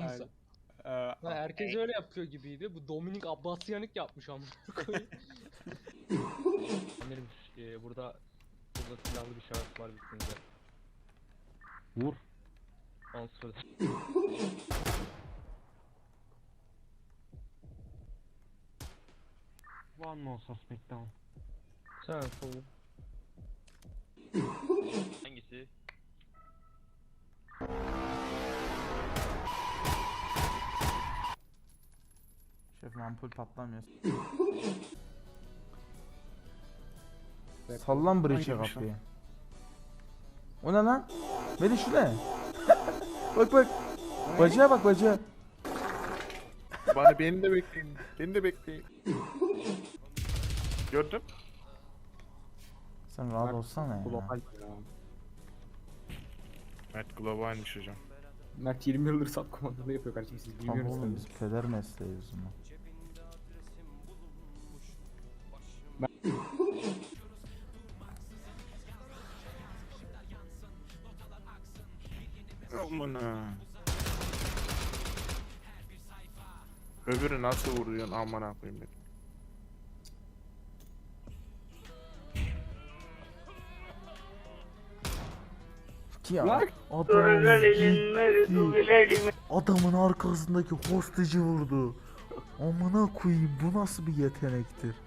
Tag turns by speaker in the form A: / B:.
A: sen?
B: Ee,
A: Ha, herkes öyle yapıyor gibiydi. Bu Dominik Abbasyanik yapmış ama. Amirim burada silahlı bir şahıs var bitince.
C: Vur.
A: Answer.
C: One more suspect down.
A: Sen sol.
D: Hangisi?
E: Şefim ampul patlamıyor. Sallan breach'e
B: Hangiymiş
E: kapıyı. O ne lan? Melih şu ne? Bak bak. Bacıya bak bacıya.
B: Beni de bekleyin. Beni de bekleyin. Gördüm.
E: Sen rahat olsana ya.
C: Global ya.
B: Mert globalmiş hocam.
C: Mert 20 yıldır sat komandalı yapıyor kardeşim, siz
E: Tamam
C: bilmiyorsunuz.
E: oğlum biz peder mesleğiz o zaman.
B: Aman ha. Öbürü nasıl vuruyorsun aman ha koyayım ben.
E: Ya
C: Lan!
E: adamın arkasındaki hosteci vurdu. Amına koyayım bu nasıl bir yetenektir?